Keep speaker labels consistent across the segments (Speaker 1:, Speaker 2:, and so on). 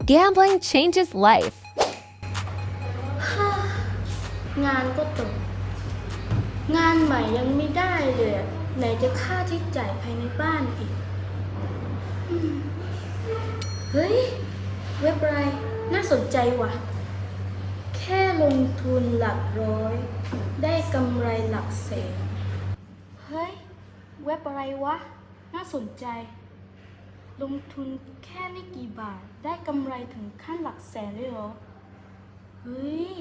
Speaker 1: Gambling changes life.
Speaker 2: งานก็ตกงานใหม่ยังไม่ได้เลยไหนจะค่าใช้จ่ายภายในบ้านอีกเฮ้ยเว็บอะไรน่าสนใจว่ะแค่ลงทุนหลักร้อยได้กำไรหลักแสนเฮ้ยเว็บอะไรวะน่าสนใจลงทุนแค่ไม่กี่บาทได้กำไรถึงขั้นหลักแสนเลยเหรอเฮ้ย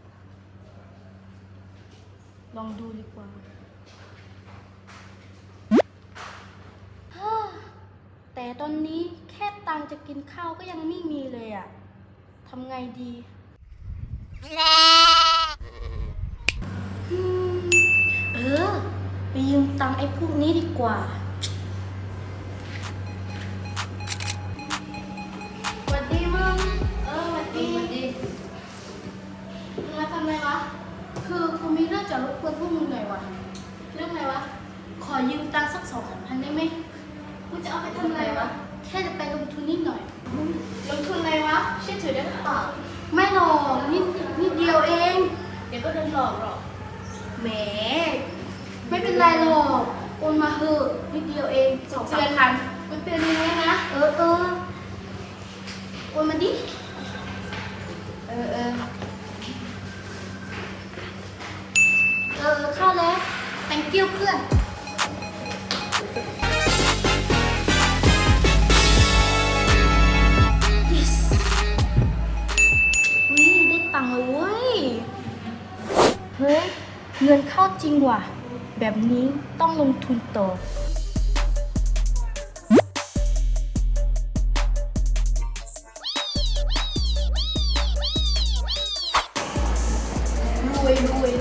Speaker 2: ลองดูดีกว่าแต่ตอนนี้แค่ตังค์จะกินข้าวก็ยังไม่มีเลยอะทำไงดีไปยืมตังค์ไอ้พวกนี้ดีกว่าสวัสดีมึงสวัสดีมึงมาทำอะไรวะคือกูมีเรื่องจะรบกวนพวกมึงหน่อยวะเรื่องอะไรวะขอยืมตังค์สัก2,000ได้ไหมมึงจะเอาไปทำอะไรวะแค่จะไปลงทุนนิดหน่อยลงทุนอะไรวะเชื่อถือได้หรือเปล่าไม่หรอกนิดเดียวเองเดี๋ยวก็โดนหลอกหรอกแหมไม่เป็นไรหรอกโอนมาเถอะนิดเดียวเอง2-3,000มันเป็นยังไงนะโอนมาดิเข้าแล้ว thank you เพื่อน yes ได้ตังค์แล้วเว้ยเฮ้ยเงินเข้าจริงว่ะแบบนี้ต้องลงทุนต่อรวย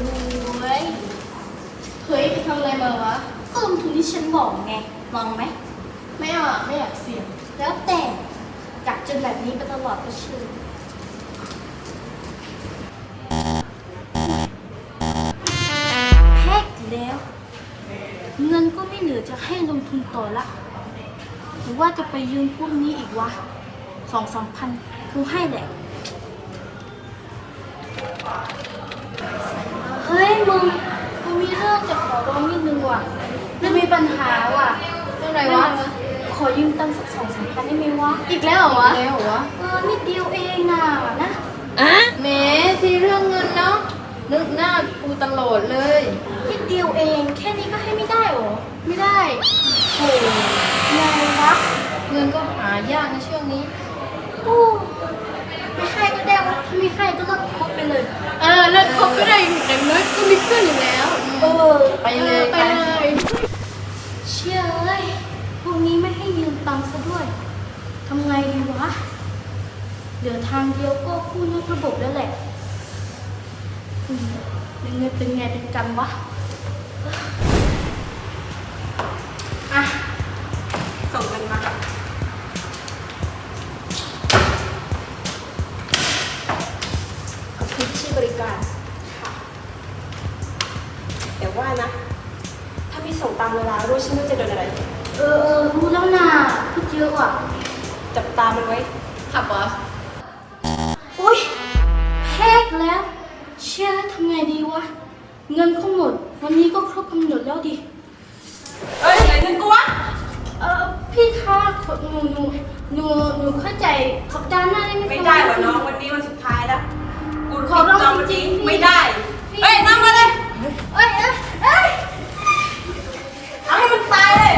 Speaker 2: เฮ้ยไปทำอะไรมาวะก็ลงทุนที่ฉันบอกไงลองไหมไม่อยากเสี่ยงแล้วแต่กัดจนแบบนี้ไปตลอดก็เชื่อแพ็กแล้วเงินก็ไม่เหลือจะให้ลงทุนต่อละหรือว่าจะไปยืมพวกนี้อีกวะ2-3,000กูให้แหละเฮ้ยมึงกูมีเรื่องจะขอร้องนิดนึงว่ะมันมีปัญหาว่ะเรื่องอะไรวะขอยืมตังค์สัก2-3,000ได้ไหมวะอีกแล้วเหรอวะนิดเดียวเองน่ะนะ
Speaker 3: แหมทีเรื่องเงินเนาะนึกหน้ากูตลอดเลย
Speaker 2: นิดเดียวเองแค่นี้ก็ให้ไม่ได้หรอไม่ได้โหไงวะ
Speaker 3: เงินก็หายากในช่วงนี้
Speaker 2: ไม่ให้ก็ได้วะถ้าไม่ให้ก็เลิกคบไปเลย
Speaker 3: เลิกคบก็ได้อย่างน้อยก็มีเพื่อนอยู่แล้วไปเลย
Speaker 2: เชื่อเลยพวกนี้ไม่ให้ยืมตังค์ซะด้วยทำไงดีวะเหลือทางเดียวก็กู้นอกระบบแล้วแหละยังไงเป็นไงเป็นกันวะ
Speaker 3: ส่งกันมา
Speaker 2: ขอบคุณที่บริการค่ะ
Speaker 3: แต่ว่านะถ้าไม่ส่งตามเวลารู้ฉันว่าจะโดนอะไร
Speaker 2: รู้แล้วนะพูดเยอะว่ะ
Speaker 3: จับตามันไว้ค่ะบอส
Speaker 2: อุ๊ยแพกแล้วเชื่อทำไงดีวะเงินเขาหมดวันนี้ก็ครบกำหนดแล้วดิ
Speaker 3: ไหนเงินกูวะ
Speaker 2: พี่คะหนูเข้าใจสัปดาห์หน้าได้ไหม
Speaker 3: ไม่ได้หรอน้องวันนี้วันสุดท้ายแล้วกู
Speaker 2: ขอร้องจริง
Speaker 3: ไม่ได้นั่งมาเลยเอาให้มันตายเลย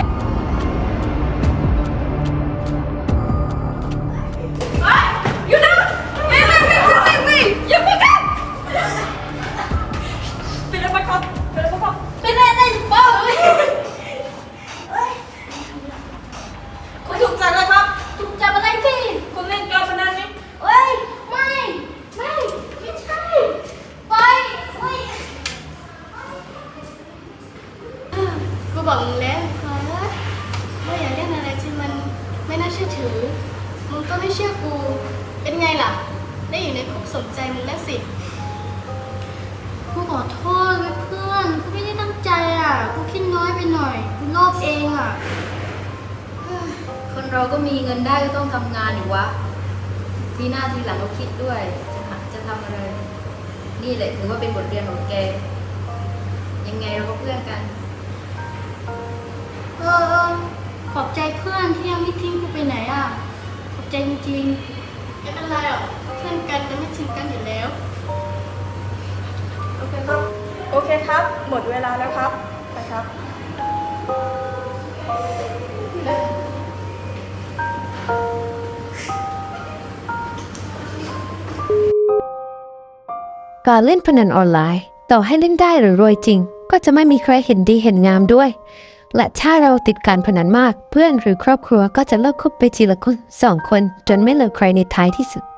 Speaker 3: อยู่นะไม่อย่าไปกันเป็นอะไรครับ
Speaker 2: ไม่ได้บ้าเลย
Speaker 3: คุณถูกจับเลยครับ
Speaker 2: ถูกจับอะไรพี่
Speaker 3: คุณเล่นการพนันนี่
Speaker 2: ไม่ใช่ไปกูบอกมึงแล้วว่าอย่าเล่นอะไรที่มันไม่น่าเชื่อถือมึงก็ไม่เชื่อกูเป็นไงล่ะได้อยู่ในคุกสนใจมึงแล้วสิกูขอโทษเพื่อนกูไม่ได้ตั้งใจกูคิดน้อยไปหน่อยกูโลภเอง
Speaker 3: คนเราก็มีเงินได้ก็ต้องทำงานอยู่วะทีหน้าทีหลังเราคิดด้วยจะทำอะไร นี่แหละถือว่าเป็นบทเรียนของแก ยังไงเราก็เพื่อนกัน
Speaker 2: ขอบใจเพื่อนที่ยังไม่ทิ้งกูไปไหนอ่ะ ขอบใจจริงๆไม่เป็นไรหรอกเพื่อนกันจะไม่ทิ้งกันอยู่แล้ว
Speaker 4: โอเคครับ โอเคครับ หมดเวลาแล้วครับ ไปครับ
Speaker 1: การเล่นพนันออนไลน์ ต่อให้เล่นได้หรือรวยจริง ก็จะไม่มีใครเห็นดีเห็นงามด้วย และถ้าเราติดการพนันมาก เพื่อนหรือครอบครัวก็จะเลิกคบไปทีละคน2 คนจนไม่เหลือใครในท้ายที่สุด